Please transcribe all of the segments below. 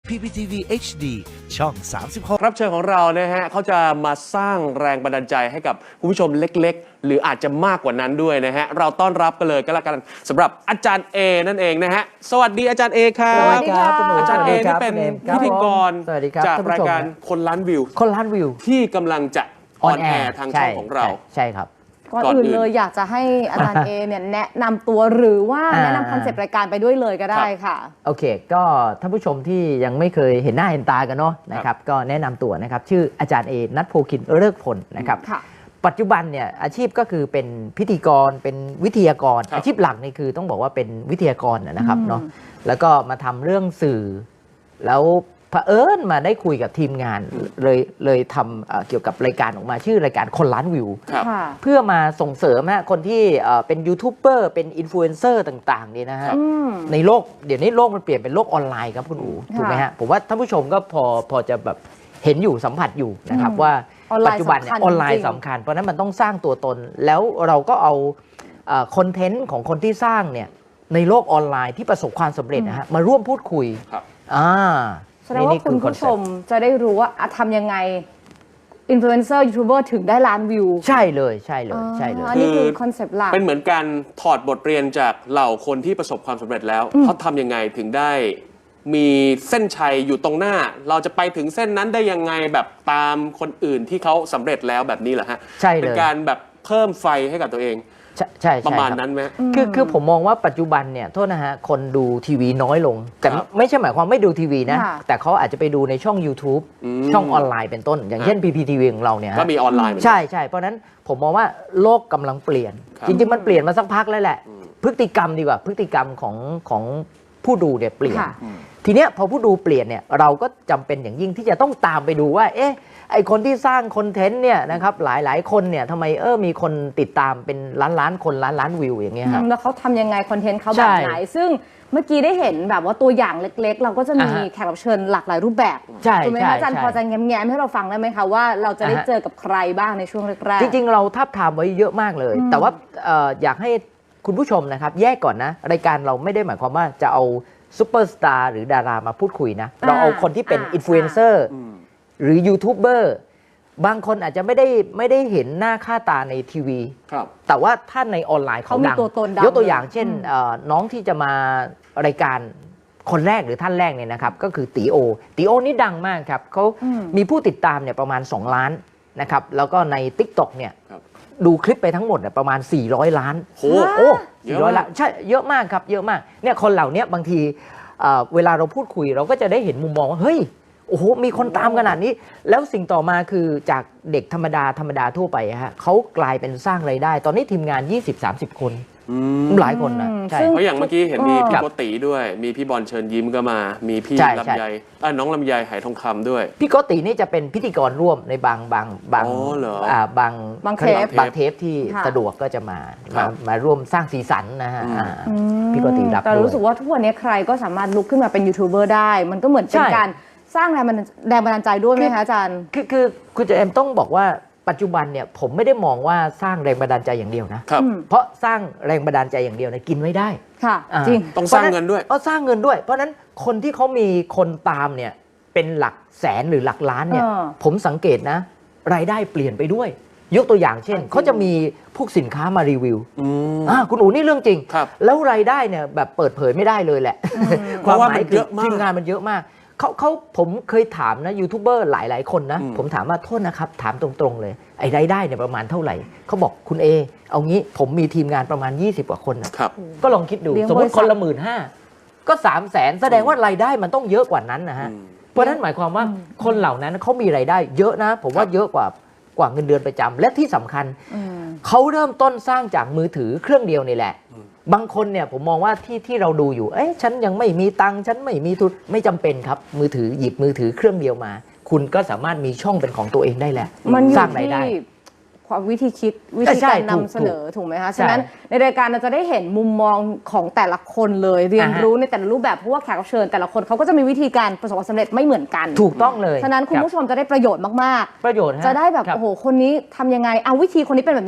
PPTV HD ช่อง 36 รับเชิญของเรานะฮะเขาจะมาสร้างแรงบันดาลใจให้กับคุณผู้ชมเล็กๆหรืออาจจะมากกว่านั้นด้วยนะฮะเราต้อนรับกันเลยก็แล้วกันสำหรับอาจารย์เอนั่นเองนะฮะสวัสดีอาจารย์เอครับสวัสดีครับอาจารย์เอที่เป็นพิธีกรสวัสดีครับจากรายการคนล้านวิวคนล้านวิวที่กำลังจะออนแอร์ทางช่องของเราใช่ครับก่อนอื่นเลยอยากจะให้อาจารย์เอเนี่ยแนะนำตัวหรือว่าแนะนำคอนเซปต์รายการไปด้วยเลยก็ได้ค่ะโอเคก็ท่านผู้ชมที่ยังไม่เคยเห็นหน้าเห็นตากันเนาะนะครับก็แนะนำตัวนะครับชื่ออาจารย์เอณัฐโพคินเลิกผลนะครับปัจจุบันเนี่ยอาชีพก็คือเป็นพิธีกรเป็นวิทยากรอาชีพหลักนี่คือต้องบอกว่าเป็นวิทยากรนะครับเนาะแล้วก็มาทำเรื่องสื่อแล้วเผอิญมาได้คุยกับทีมงานเลยทำเกี่ยวกับรายการออกมาชื่อรายการคนล้านวิวเพื่อมาส่งเสริมคนที่เป็นยูทูบเบอร์เป็นอินฟลูเอนเซอร์ต่างๆนี่นะฮะในโลกเดี๋ยวนี้โลกมันเปลี่ยนเป็นโลกออนไลน์ครับคุณอู๋ถูกไหมฮะผมว่าท่านผู้ชมก็พอจะแบบเห็นอยู่สัมผัสอยู่นะครับว่าปัจจุบันเนี่ยออนไลน์สำคัญเพราะนั้นมันต้องสร้างตัวตนแล้วเราก็เอาคอนเทนต์ของคนที่สร้างเนี่ยในโลกออนไลน์ที่ประสบความสำเร็จนะฮะมาร่วมพูดคุยแสดงว่าคุณผู้ชมจะได้รู้ว่าทำยังไงอินฟลูเอนเซอร์ยูทูบเบอร์ถึงได้ล้านวิวใช่เลยใช่เลยใช่เลยอันนี้คือคอนเซปต์หลักเป็นเหมือนการถอดบทเรียนจากเหล่าคนที่ประสบความสำเร็จแล้วเขาทำยังไงถึงได้มีเส้นชัยอยู่ตรงหน้าเราจะไปถึงเส้นนั้นได้ยังไงแบบตามคนอื่นที่เขาสำเร็จแล้วแบบนี้เหรอฮะใช่เลยเป็นการแบบเพิ่มไฟให้กับตัวเองใช่ประมาณนั้นไหมคือผมมองว่าปัจจุบันเนี่ยโทษนะฮะคนดูทีวีน้อยลงแต่ไม่ใช่หมายความไม่ดูทีวีนะแต่เขาอาจจะไปดูในช่อง YouTube ช่องออนไลน์เป็นต้นอย่างเช่น PPTV ของเราเนี่ยก็มีออนไลน์ใช่เพราะนั้นผมมองว่าโลกกำลังเปลี่ยนจริงๆมันเปลี่ยนมาสักพักแล้วแหละพฤติกรรมดีกว่าพฤติกรรมของผู้ดูเนี่ยเปลี่ยนทีเนี้ยพอผู้ดูเปลี่ยนเนี่ยเราก็จำเป็นอย่างยิ่งที่จะต้องตามไปดูว่าไอคนที่สร้างคอนเทนต์เนี่ยนะครับหลายคนเนี่ยทำไมมีคนติดตามเป็นล้านคนล้านวิวอย่างเงี้ยครับแล้วเขาทำยังไงคอนเทนต์เขาแบบไหนซึ่งเมื่อกี้ได้เห็นแบบว่าตัวอย่างเล็กๆเราก็จะมีแขกรับเชิญหลากหลายรูปแบบถูกไหมคะอาจารย์พอจะแง้มให้เราฟังได้ไหมคะว่าเราจะได้เจอกับใครบ้างในช่วงแรกจริงๆเราทับทามไว้เยอะมากเลยแต่ว่าอยากให้คุณผู้ชมนะครับแยกก่อนนะรายการเราไม่ได้หมายความว่าจะเอาซูเปอร์สตาร์หรือดารามาพูดคุยนะเราเอาคนที่เป็นอินฟลูเอนเซอร์หรือยูทูบเบอร์บางคนอาจจะไม่ได้เห็นหน้าค่าตาในทีวีแต่ว่าถ้าในออนไลน์เขาดังยกตัวอย่างเช่นน้องที่จะมารายการคนแรกหรือท่านแรกเนี่ยนะครับก็คือตีโอนี่ดังมากครับเขามีผู้ติดตามเนี่ยประมาณ2 ล้านนะครับแล้วก็ใน TikTok เนี่ยดูคลิปไปทั้งหมดประมาณ400 ล้านโอ้ 400 ล้านใช่เยอะมากครับเยอะมากเนี่ยคนเหล่านี้บางทีเวลาเราพูดคุยเราก็จะได้เห็นมุมมองว่าเฮ้ยโอ้โหมีคนตามขนาดนี้แล้วสิ่งต่อมาคือจากเด็กธรรมดาทั่วไปฮะเขากลายเป็นสร้างรายได้ตอนนี้ทีมงาน 20-30 คนหลายคนนะใช่เพราะอย่างเมื่อกี้เห็นมีพี่โกติด้วยมีพี่บอลเชิญยิ้มก็มามีพี่ลำไยน้องลำไยไหทองคำด้วยพี่โกตินี่จะเป็นพิธีกรร่วมในบางเทปที่สะดวกก็จะมาร่วมสร้างสีสันนะฮะพี่โกติรับแต่รู้สึกว่าทุกวันนี้ใครก็สามารถลุกขึ้นมาเป็นยูทูบเบอร์ได้มันก็เหมือนเป็นการสร้างแรงบันดาลใจด้วยไหมคะอาจารย์คือคุณเอ็มต้องบอกว่าปัจจุบันเนี่ยผมไม่ได้มองว่าสร้างแรงบันดาลใจอย่างเดียวนะเพราะสร้างแรงบันดาลใจอย่างเดียวเนี่ยกินไม่ได้ค่ะจริงต้องสร้างเงินด้วยสร้างเงินด้วยเพราะนั้นคนที่เขามีคนตามเนี่ยเป็นหลักแสนหรือหลักล้านเนี่ยผมสังเกตนะรายได้เปลี่ยนไปด้วยยกตัวอย่างเช่นเขาจะมีพวกสินค้ามารีวิวคุณอู๋นี่เรื่องจริงแล้วรายได้เนี่ยแบบเปิดเผยไม่ได้เลยแหละความหมายคือทีมงานมันเยอะมากผมเคยถามนะยูทูบเบอร์หลายคนนะผมถามว่าโทษนะครับถามตรงๆเลยไอ้รายได้เนี่ยประมาณเท่าไหร่เขาบอกคุณเอเอางี้ผมมีทีมงานประมาณ20 กว่าคนนะก็ลองคิดดูสมมติคนละ15,000ก็300,000แสดงว่ารายได้มันต้องเยอะกว่านั้นนะฮะเพราะนั้นหมายความว่าคนเหล่านั้นเขามีรายได้เยอะนะผมว่าเยอะกว่าเงินเดือนประจำและที่สำคัญเขาเริ่มต้นสร้างจากมือถือเครื่องเดียวนี่แหละบางคนเนี่ยผมมองว่าที่เราดูอยู่ฉันยังไม่มีตังค์ฉันไม่มีทุนไม่จำเป็นครับมือถือหยิบมือถือเครื่องเดียวมาคุณก็สามารถมีช่องเป็นของตัวเองได้แหละสร้างรายได้ความวิธีคิดวิธีการนำเสนอถูกไหมคะฉะนั้นในรายการเราจะได้เห็นมุมมองของแต่ละคนเลยเรียนรู้ในแต่ละรูปแบบเพราะว่าแขกรับเชิญแต่ละคนเขาก็จะมีวิธีการประสบความสำเร็จไม่เหมือนกันถูกต้องเลยฉะนั้นคุณผู้ชมจะได้ประโยชน์มากๆประโยชน์จะได้แบบโอ้โหคนนี้ทำยังไงเอาวิธีคนนี้เป็นแบบนี้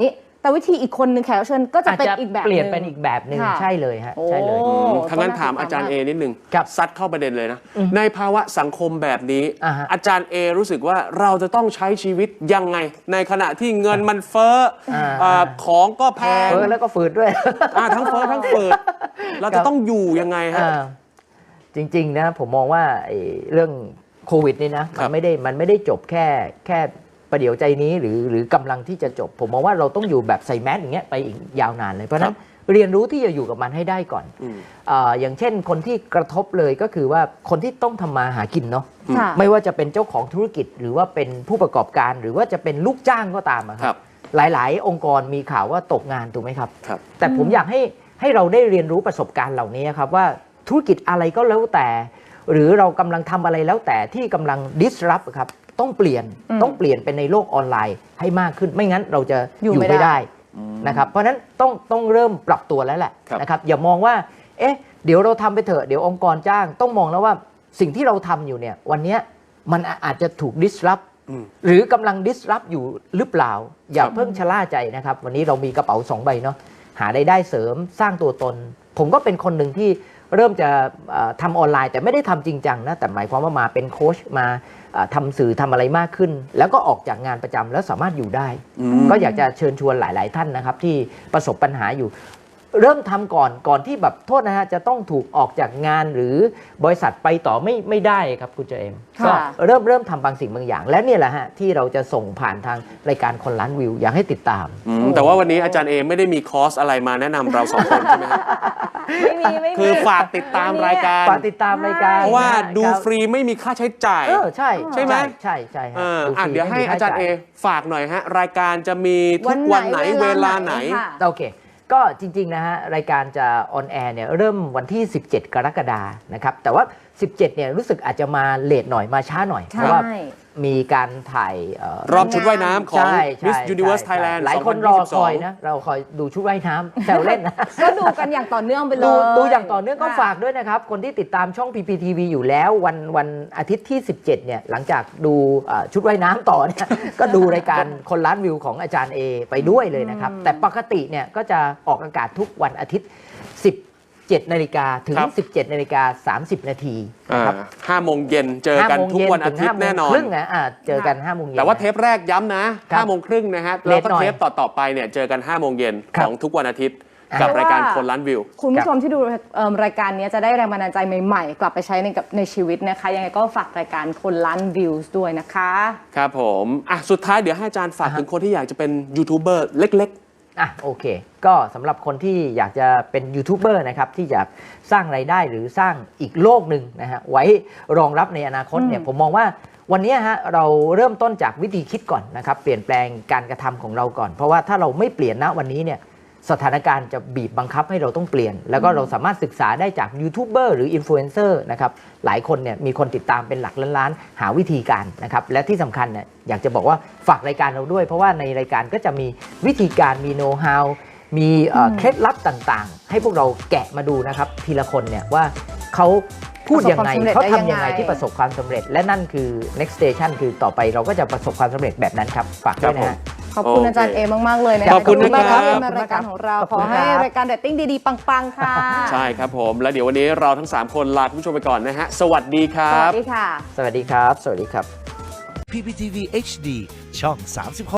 แต่วิธีอีกคนหนึ่งแขกรับเชิญก็จะอาจเป็นจะอีกแบบเปลี่ยนหงเป็นอีกแบบหนึ่งค่ะใช่เลยฮะโอ้ใช่เลยถ้างั้นถามอาจารย์เอนิดนึงครับซัดเข้าประเด็นเลยนะ ในภาวะสังคมแบบนี้อ่าฮะอาจารย์เอรู้สึกว่าเราจะต้องใช้ชีวิตยังไง ในขณะที่เงินมันเฟ้อของก็แพงเออแล้วก็ฝืดด้วยทั้งเฟ้อทั้งเปิด เราจะต้องอยู่ยังไงฮะจริงๆนะผมมองว่าไอ้เรื่องโควิดนี่นะครัมับนไม่ได้จบแค่ประเดี๋ยวใจนี้หรือกำลังที่จะจบ ผมมองว่าเราต้องอยู่แบบใส่แมสอย่างเงี้ยไปอีกยาวนานเลยเพราะฉะนั้นเรียนรู้ที่จะอยู่กับมันให้ได้ก่อน อย่างเช่นคนที่กระทบเลยก็คือว่าคนที่ต้องทำมาหากินเนาะค่ะไม่ว่าจะเป็นเจ้าของธุรกิจหรือว่าเป็นผู้ประกอบการหรือว่าจะเป็นลูกจ้างก็ตามอะคครัรับ บหลายๆ องค์กรมีข่าวว่าตกงานถูกไหมครับครับแต่ผมอยากให้เราได้เรียนรู้ประสบการณ์เหล่านี้ครับว่าธุรกิจอะไรก็แล้วแต่ หรือเรากำลังทำอะไรแล้วแต่ที่กำลัง disrupt ครับต้องเปลี่ยนเป็นในโลกออนไลน์ให้มากขึ้นไม่งั้นเราจะอยู่ไม่ได้นะครับเพราะฉะนั้นต้องเริ่มปรับตัวแล้วแหละครับนะครับอย่ามองว่าเอ๊ะเดี๋ยวเราทำไปเถอะเดี๋ยวองค์กรจ้างต้องมองแล้วว่าสิ่งที่เราทำอยู่เนี่ยวันเนี้ยมันอาจจะถูก disrupt หรือกำลัง disrupt อยู่หรือเปล่า อย่าเพิ่งชะล่าใจนะครับวันนี้เรามีกระเป๋า2 ใบเนาะหารายได้เสริมสร้างตัวตน ผมก็เป็นคนหนึ่งที่เริ่มจะทำออนไลน์แต่ไม่ได้ทำจริงจังนะแต่หมายความว่ามาเป็นโค้ชมาทำสื่อทำอะไรมากขึ้น แล้วก็ออกจากงานประจำแล้วสามารถอยู่ได้ ก็อยากจะเชิญชวนหลาย ๆ ท่านนะครับที่ประสบปัญหาอยู่ เริ่มทำก่อนที่แบบโทษนะฮะจะต้องถูกออกจากงานหรือบริษัทไปต่อไม่ได้ครับคุณเจเอมค่ะก็เริ่มทำบางสิ่งบางอย่าง และเนี่ยแหละฮะที่เราจะส่งผ่านทางรายการคนล้านวิวอยากให้ติดตามแต่ว่าวันนี้อาจารย์เอไม่ได้มีคอร์สอะไรมาแนะนำเราสองคนใช่ไหมครับไม่มีคือฝากติดตามรายการฝากติดตามรายการเพราะว่าดูครับฟรีไม่มีค่าใช้จ่ายใช่ใช่ไหมใช่ฮะอ่ะฟรีเดี๋ยวให้ไม่มีค่อาจารย์จ่เอฝากหน่อยฮะ รายการจะมีทุกวันไหนเวลาไหนค่ะโอเค ก็จริงๆนะฮะรายการจะออนแอร์เนี่ยเริ่มวันที่ 17 กรกฎานะครับแต่ว่า 17 เนี่ยรู้สึกอาจจะมาเลทหน่อยมาช้าหน่อยใช่เพราะว่ามีการถ่ายรอบชุดว่ายน้ำของใช่ Miss ใช่ Universe ใช่ Thailand หลายคนรอคอยนะ เราคอยดูชุดว่ายน้ำแซวเล่นนะก็ดูกันอย่างต่อเนื่องไปเลยดูอย่างต่อเนื่องก็ค่ะฝากด้วยนะครับ คนที่ติดตามช่อง PPTV อยู่แล้ววันอาทิตย์ที่ 17 เนี่ยหลังจากดูชุดว่ายน้ำต่อเนี่ย ก็ดูรายการคนล้านวิวของอาจารย์เอไปด้วยเลยนะครับ แต่ปกติเนี่ยก็จะออกอากาศทุกวันอาทิตย์ 17 นาฬิกาถึงครับ 17 นาฬิกา 30 นาทีนะครับ 5 โมงเย็นเจอกันทุกวันอาทิตย์แน่นอน 5 โมงครึ่งนะเจอกัน 5 โมงเย็นแต่ว่าเทปแรกย้ำนะครับ 5 โมงครึ่งนะฮะเลแล้วทก็หน่อยเทปต่อไปเนี่ยเจอกัน 5 โมงเย็นครัขบองทุกวันอาทิตย์อ่ากับรายการคนล้านวิวคุณผู้ชมที่ดูรายการนี้จะได้แรงบันดาลใจใหม่ๆ กลับไปใช้ในชีวิตนะคะ ยังไงก็ฝากรายการคนล้านวิวด้วยนะคะครับผมอ่ะสุดท้ายเดี๋ยวให้อาจารย์ฝากถึงคนที่อยากจะเป็นยูทูบเบอร์เล็กโอเค ก็สำหรับคนที่อยากจะเป็นยูทูบเบอร์นะครับที่อยากสร้างรายได้หรือสร้างอีกโลกหนึ่งนะฮะไว้รองรับในอนาคตเนี่ยผมมองว่าวันนี้ฮะเราเริ่มต้นจากวิธีคิดก่อนนะครับเปลี่ยนแปลงการกระทำของเราก่อน เพราะว่าถ้าเราไม่เปลี่ยนณวันนี้เนี่ยสถานการณ์จะบีบบังคับให้เราต้องเปลี่ยน แล้วก็เราสามารถศึกษาได้จากยูทูบเบอร์หรืออินฟลูเอนเซอร์นะครับหลายคนเนี่ยมีคนติดตามเป็นหลักล้านๆหาวิธีการนะครับและที่สำคัญเนี่ยอยากจะบอกว่าฝากรายการเราด้วย เพราะว่าในรายการก็จะมีวิธีการมีโน้ตฮาวมีเคล็ดลับต่างๆ ให้พวกเราแกะมาดูนะครับทีละคนเนี่ยว่าเขาพูดยังไงประสบความสำเร็จเขาทำยังไงได้ยังไงที่ประสบความสำเร็จ และนั่นคือ next station คือต่อไปเราก็จะประสบความสำเร็จแบบนั้นครับฝากด้วยนะฮะขอบคุณอาจารย์เอมากๆเลยนะขอบคุณนะครับขอบคุณมากที่มารายการของเราขอบขคุอณให้ครับรายการเรตติ้งดีๆ ปังๆ ค่ะๆ ใช่ครับผม แล้วเดี๋ยววันนี้เราทั้ง 3 คนลาคุณผู้ชมไปก่อนนะฮะ สวัสดีครัสวับสดีค่ะสวัสดีครับ สวัสดีครับ PPTV HD ช่อง 36